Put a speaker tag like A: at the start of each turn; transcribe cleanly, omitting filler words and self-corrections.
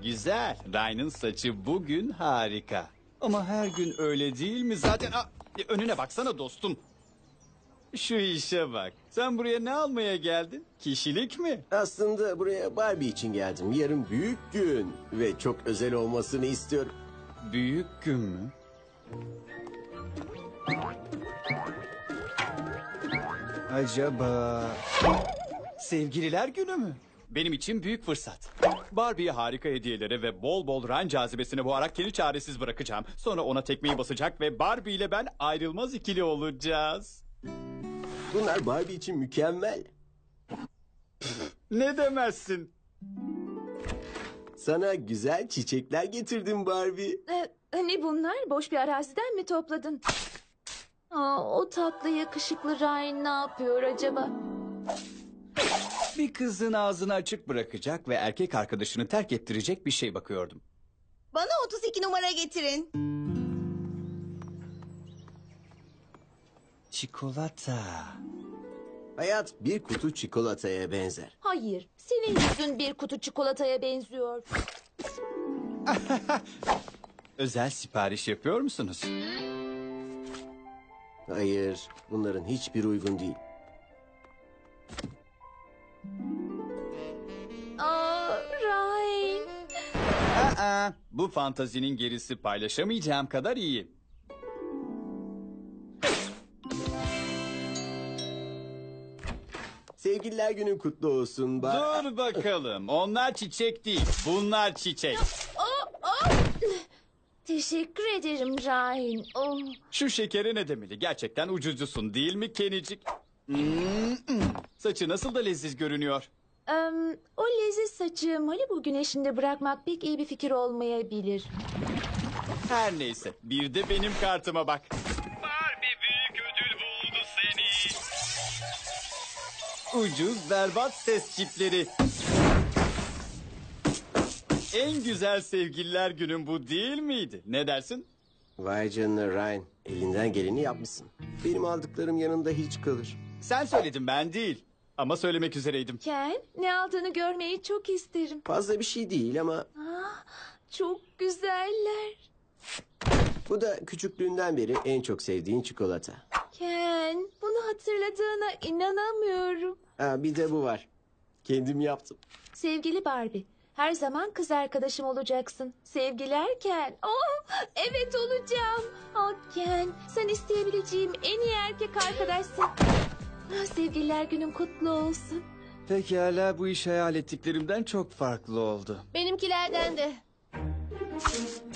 A: güzel. Ryan'ın saçı bugün harika. Ama her gün öyle değil mi? Zaten önüne baksana dostum. Şu işe bak. Sen buraya ne almaya geldin? Kişilik mi?
B: Aslında buraya Barbie için geldim. Yarın büyük gün ve çok özel olmasını istiyorum.
A: Büyük gün mü? Acaba... Sevgililer günü mü? Benim için büyük fırsat. Barbie'ye harika hediyelere ve bol bol Ryan cazibesine boğarak kendi çaresiz bırakacağım. Sonra ona tekmeyi basacak ve Barbie ile ben ayrılmaz ikili olacağız.
B: Bunlar Barbie için mükemmel.
A: Ne demezsin?
B: Sana güzel çiçekler getirdim Barbie.
C: Ne bunlar? Boş bir araziden mi topladın? O tatlı yakışıklı Ryan ne yapıyor acaba?
A: Bir kızın ağzını açık bırakacak ve erkek arkadaşını terk ettirecek bir şey bakıyordum.
D: Bana 32 numara getirin.
A: Çikolata.
B: Hayat bir kutu çikolataya benzer.
C: Hayır, senin yüzün bir kutu çikolataya benziyor.
A: Özel sipariş yapıyor musunuz?
B: Hayır, bunların hiçbir uygun değil.
C: Ryan.
A: Bu fantazinin gerisi paylaşamayacağım kadar iyi.
B: Sevgililer günün kutlu olsun.
A: Dur bakalım. Onlar çiçek değil. Bunlar çiçek.
C: Teşekkür ederim Ryan.
A: Şu şekere ne demeli? Gerçekten ucuzcusun değil mi Kenicik? Saçı nasıl da leziz görünüyor.
C: O leziz saçı Malibu güneşinde bırakmak pek iyi bir fikir olmayabilir.
A: Her neyse. Bir de benim kartıma bak. Barbie büyük ödül buldu seni. Ucuz berbat ses çipleri. En güzel sevgililer günün bu değil miydi? Ne dersin?
B: Vay canına Ryan, elinden geleni yapmışsın. Benim aldıklarım yanında hiç kalır.
A: Sen söyledin ben değil. Ama söylemek üzereydim.
C: Ken, ne aldığını görmeyi çok isterim.
B: Fazla bir şey değil ama
C: Çok güzeller.
B: bu da küçüklüğünden beri en çok sevdiğin çikolata.
C: Ken, bunu hatırladığına inanamıyorum.
B: Bir de bu var. Kendim yaptım.
C: Sevgili Barbie, her zaman kız arkadaşım olacaksın. Sevgiler Ken. Evet olacağım. Ken, sen isteyebileceğim en iyi erkek arkadaşsın. Sevgililer günün kutlu olsun.
A: Pekala bu iş hayal ettiklerimden çok farklı oldu.
D: Benimkilerden de.